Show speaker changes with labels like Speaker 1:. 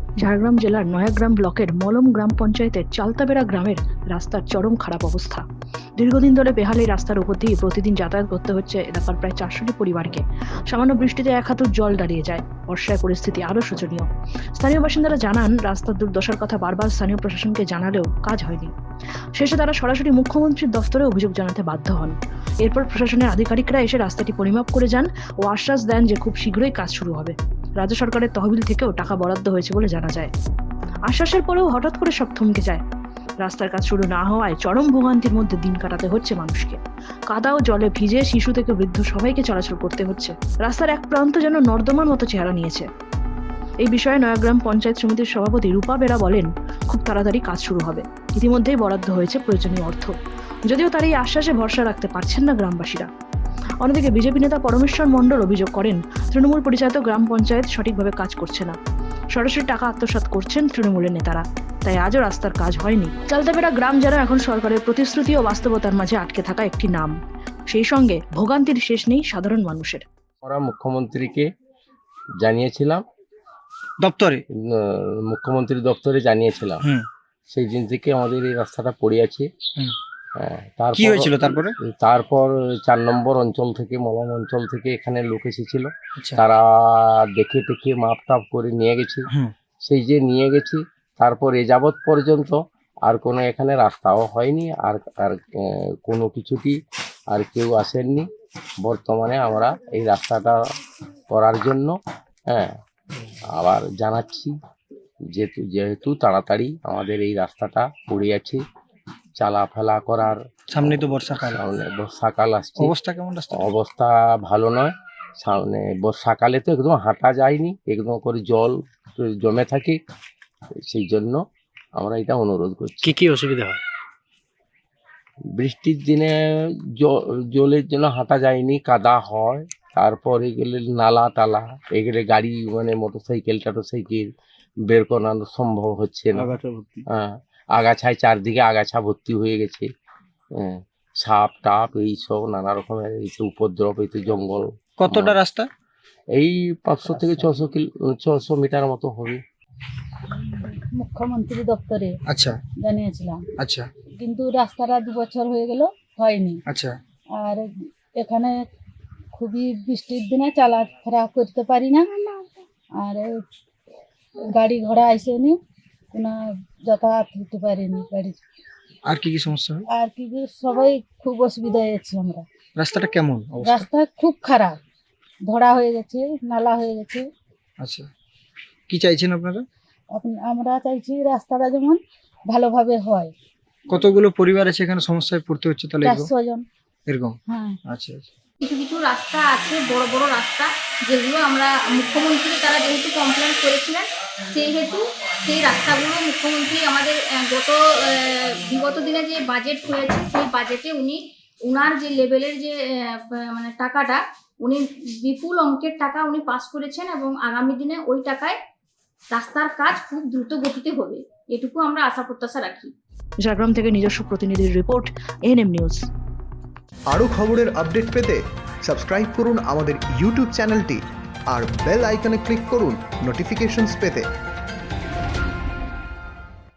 Speaker 1: ঝাড়গ্রাম জেলার নয়াগ্রাম ব্লকের মলম গ্রাম পঞ্চায়েতের চালতাবেড়া গ্রামের রাস্তার চরম খারাপ অবস্থা। দীর্ঘদিন ধরে বেহাল এই রাস্তার উপর দিয়ে প্রতিদিন যাতায়াত করতে হচ্ছে এলাকার প্রায় 400টি পরিবারকে। সামান্য বৃষ্টিতে এক হাঁটু জল দাঁড়িয়ে যায়। বর্ষায় পরিস্থিতি আরও শোচনীয়। স্থানীয় বাসিন্দারা জানান, রাস্তার দুর্দশার কথা বারবার স্থানীয় প্রশাসনকে জানালেও কাজ হয়নি। শেষে তারা সরাসরি মুখ্যমন্ত্রীর দফতরে অভিযোগ জানাতে বাধ্য হন। এরপর প্রশাসনের আধিকারিকরা এসে রাস্তাটি পরিমাপ করে যান ও আশ্বাস দেন যে খুব শীঘ্রই কাজ শুরু হবে। রাজ্য সরকারের তহবিল থেকেও টাকা বরাদ্দ হয়েছে বলে জানা যায়। আশ্বাসের পরেও হঠাৎ করে সব থমকে যায়। রাস্তার কাজ শুরু না হওয়ায় চরম ভোগান্তির মধ্যে দিন কাটাতে হচ্ছে মানুষকে। কাদা ও জলে ভিজে শিশু থেকে বৃদ্ধ সবাইকে চলাচল করতে হচ্ছে। রাস্তার এক প্রান্ত যেন নর্দমার মতো চেহারা নিয়েছে। এই বিষয়ে নয়াগ্রাম পঞ্চায়েত সমিতির সভাপতি রূপা বেরা বলেন, খুব তাড়াতাড়ি কাজ শুরু হবে। ইতিমধ্যেই বরাদ্দ হয়েছে প্রয়োজনীয় অর্থ। যদিও তার এই আশ্বাসে ভরসা রাখতে পারছেন না গ্রামবাসীরা। অন্যদিকে বিজেপি নেতা পরমেশ্বর মণ্ডল অভিযোগ করেন, তৃণমূল পরিচালিত গ্রাম পঞ্চায়েত সঠিকভাবে কাজ করছে না। সরাসরি টাকা আত্মসাৎ করছেন তৃণমূলের নেতারা, তাই আজও রাস্তার কাজ হয়নি। চালতাবেড়া গ্রাম যেন এখন সরকারের প্রতিশ্রুতি ও বাস্তবতার মাঝে আটকে থাকা একটি নাম। সেই সঙ্গে ভোগান্তির শেষ নেই সাধারণ মানুষের।
Speaker 2: আমরা মুখ্যমন্ত্রীকে জানিয়েছিলাম, মুখ্যমন্ত্রী দপ্তরে জানিয়েছিলাম। সেই দিন থেকে আমাদের এই রাস্তাটা পড়ে আছে।
Speaker 3: কি হয়েছিল
Speaker 2: তারপর 4 নম্বর অঞ্চল থেকে, মলম অঞ্চল থেকে এখানে লোক এসেছিল। তারা দেখে টেকে মাপ টাপ করে নিয়ে গেছে। সেই যে নিয়ে গেছি, তারপর এ যাবৎ পর্যন্ত আর কোনো এখানে রাস্তাও হয়নি, আর কোনো কিছুটি আর কেউ আসেননি। বর্তমানে আমরা এই রাস্তাটা করার জন্য আবার জানাচ্ছি, যেহেতু তাড়াতাড়ি আমাদের এই রাস্তাটা পড়ে আছে, চলাফেরা করার।
Speaker 3: সামনে তো বর্ষাকাল
Speaker 2: আসছে।
Speaker 3: অবস্থা কেমন?
Speaker 2: অবস্থা ভালো নয়। সামনে বর্ষাকালে তো একদম হাঁটা যায়নি, একদম করে জল জমে থাকে। সেই জন্য আমরা এটা অনুরোধ করছি।
Speaker 3: কি অসুবিধা হয়?
Speaker 2: বৃষ্টির দিনে জলের জন্য হাঁটা যায়নি, কাদা হয়। তারপর এগুলো নালা টালা, এগুলো গাড়ি মানে মোটরসাইকেল বের করানো সম্ভব হচ্ছে না। আগাছায় চারদিকে আগাছা ভর্তি হয়ে গেছে। সাপ টাপ এইসব নানা রকমের উপদ্রব, এই তো জঙ্গল।
Speaker 3: কতটা রাস্তা?
Speaker 2: এই 500 থেকে 600 মিটার মতো হবে।
Speaker 4: মুখ্যমন্ত্রী দপ্তরে
Speaker 3: আচ্ছা
Speaker 4: জানিয়েছিলাম।
Speaker 3: আচ্ছা,
Speaker 4: কিন্তু রাস্তাটা 2 বছর হয়ে গেল, হয়নি।
Speaker 3: আচ্ছা,
Speaker 4: আর এখানে খুবই বৃষ্টির দিনে চলাফেরা করতে পারি না। আর গাড়ি ঘোড়া আসেনি, কোনো যাতায়াত হতে পারিনি গাড়ি।
Speaker 3: আর কি সমস্যা হয়?
Speaker 4: আর কি সবাই খুব অসুবিধা হয়েছে আমরা।
Speaker 3: রাস্তাটা কেমন?
Speaker 4: রাস্তা খুব খারাপ, ধরা হয়ে গেছে, নালা হয়ে গেছে।
Speaker 3: আচ্ছা, কি চাইছেন আপনারা?
Speaker 4: আমরা চাইছি রাস্তাটা যেমন ভালোভাবে হয়।
Speaker 3: কতগুলো পরিবার আছে এখানে সমস্যায় পড়তে হচ্ছে তাহলে?
Speaker 4: 400 জন
Speaker 3: এরকম?
Speaker 4: হ্যাঁ।
Speaker 3: আচ্ছা,
Speaker 5: কিছু কিছু রাস্তা আছে, বড় বড় রাস্তা, যেগুলো আমরা মুখ্যমন্ত্রী তারা যেহেতু কমপ্লেন করেছিলেন, সেহেতু সেই রাস্তাগুলো মুখ্যমন্ত্রী আমাদের বিগত দিনে যে বাজেট হয়েছে, সেই বাজেটে উনার যে লেভেলের যে মানে টাকাটা, উনি বিপুল অঙ্কের টাকা উনি পাস করেছেন, এবং আগামী দিনে ওই টাকায় রাস্তার কাজ খুব দ্রুত গতিতে হবে, এটুকু আমরা আশা প্রত্যাশা রাখি।
Speaker 1: ঝাড়গ্রাম থেকে নিজস্ব প্রতিনিধির রিপোর্ট, এএনএম নিউজ।
Speaker 6: আরও খবরের আপডেট পেতে সাবস্ক্রাইব করুন আমাদের ইউটিউব চ্যানেলটি আর বেল আইকনে ক্লিক করুন নোটিফিকেশনস পেতে।